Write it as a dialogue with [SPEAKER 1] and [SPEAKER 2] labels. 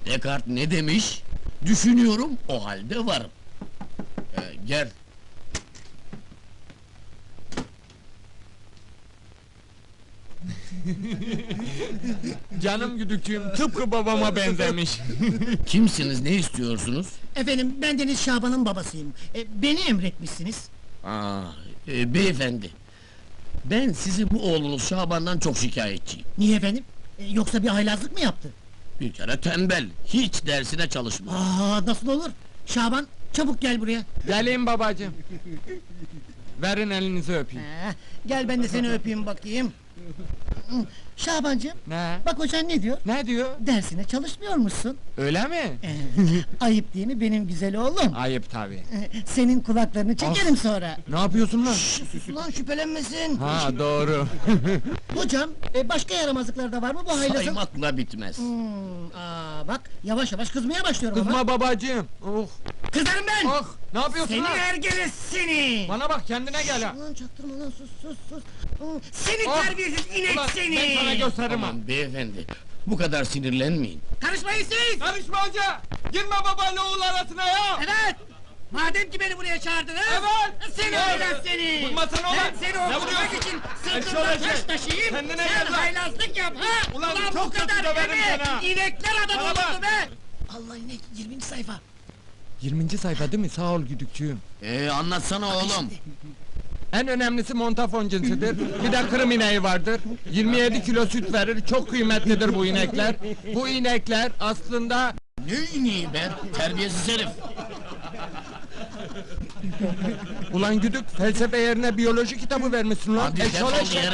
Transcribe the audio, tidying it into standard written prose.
[SPEAKER 1] Descartes ne demiş? Düşünüyorum, o halde varım. Gel.
[SPEAKER 2] Canım güdükçüğüm tıpkı babama benzemiş.
[SPEAKER 1] Kimsiniz, ne istiyorsunuz?
[SPEAKER 3] Efendim, ben Deniz Şaban'ın babasıyım. Beni emretmişsiniz.
[SPEAKER 1] Beyefendi. Ben sizi bu oğlunuz Şaban'dan çok şikayetçiyim.
[SPEAKER 3] Niye efendim? Yoksa bir haylazlık mı yaptı?
[SPEAKER 1] Bir kere tembel, hiç dersine çalışmıyor.
[SPEAKER 3] Nasıl olur? Şaban, çabuk gel buraya.
[SPEAKER 2] Geleyim babacığım. Verin elinizi öpeyim.
[SPEAKER 3] Gel ben de seni öpeyim bakayım. Şabancığım,
[SPEAKER 2] Ne?
[SPEAKER 3] bak hocan ne diyor?
[SPEAKER 2] Ne diyor?
[SPEAKER 3] Dersine çalışmıyormuşsun.
[SPEAKER 2] Öyle mi?
[SPEAKER 3] Ayıp değil mi benim güzel oğlum?
[SPEAKER 2] Ayıp tabii.
[SPEAKER 3] Senin kulaklarını çekerim sonra.
[SPEAKER 2] Ne yapıyorsun lan?
[SPEAKER 3] Sus ulan, şüphelenmesin.
[SPEAKER 2] Ha doğru.
[SPEAKER 3] Hocam, başka yaramazlıklar da var mı bu haylazın?
[SPEAKER 1] Saymakla bitmez.
[SPEAKER 3] Bak, yavaş yavaş kızmaya başlıyorum ama.
[SPEAKER 2] Kızma babacığım. Oh.
[SPEAKER 3] Kızarım ben!
[SPEAKER 2] Oh. Ne yapıyorsun
[SPEAKER 3] Seni
[SPEAKER 2] lan?
[SPEAKER 3] ergele seni!
[SPEAKER 2] Bana bak kendine gel ha.
[SPEAKER 3] Ulan çaktırma lan, sus! Seni
[SPEAKER 2] Oh!
[SPEAKER 3] terbiyesiz inek
[SPEAKER 2] Ulan,
[SPEAKER 3] seni!
[SPEAKER 2] ben sana gösteririm ha.
[SPEAKER 1] Aman beyefendi, bu kadar sinirlenmeyin.
[SPEAKER 3] Karışmayın siz!
[SPEAKER 2] Karışma hoca! Girme babayla oğul arasına ya!
[SPEAKER 3] Evet! Madem ki beni buraya çağırdınız!
[SPEAKER 2] Evet!
[SPEAKER 3] Seni
[SPEAKER 2] Evet!
[SPEAKER 3] haylaz seni!
[SPEAKER 2] Vurmasana ulan!
[SPEAKER 3] Ben seni
[SPEAKER 2] Ne
[SPEAKER 3] okutmak
[SPEAKER 2] vuruyorsun?
[SPEAKER 3] için
[SPEAKER 2] Eşşoğlu
[SPEAKER 3] sırtımda
[SPEAKER 2] eşek!
[SPEAKER 3] taş taşıyayım!
[SPEAKER 2] Kendine
[SPEAKER 3] Sen
[SPEAKER 2] gel lan!
[SPEAKER 3] haylazlık yap ha!
[SPEAKER 2] Ulan
[SPEAKER 3] bu
[SPEAKER 2] çok kötü
[SPEAKER 3] kadar
[SPEAKER 2] döverim
[SPEAKER 3] deme!
[SPEAKER 2] seni ha!
[SPEAKER 3] İnekler adam
[SPEAKER 2] Bana bak!
[SPEAKER 3] oldu be! Allah inek, 20. sayfa!
[SPEAKER 2] 20. sayfa değil mi? Sağ ol güdükçüğüm.
[SPEAKER 1] Anlatsana oğlum.
[SPEAKER 2] En önemlisi montafon cinsidir. Bir de kırım ineği vardır. 27 kilo süt verir. Çok kıymetlidir bu inekler. Bu inekler aslında...
[SPEAKER 1] Ne ineği be, terbiyesiz herif!
[SPEAKER 2] Ulan güdük felsefe yerine biyoloji kitabı vermişsin lan.
[SPEAKER 1] Hadi
[SPEAKER 2] Eşşoğlu
[SPEAKER 1] defol
[SPEAKER 2] eşek.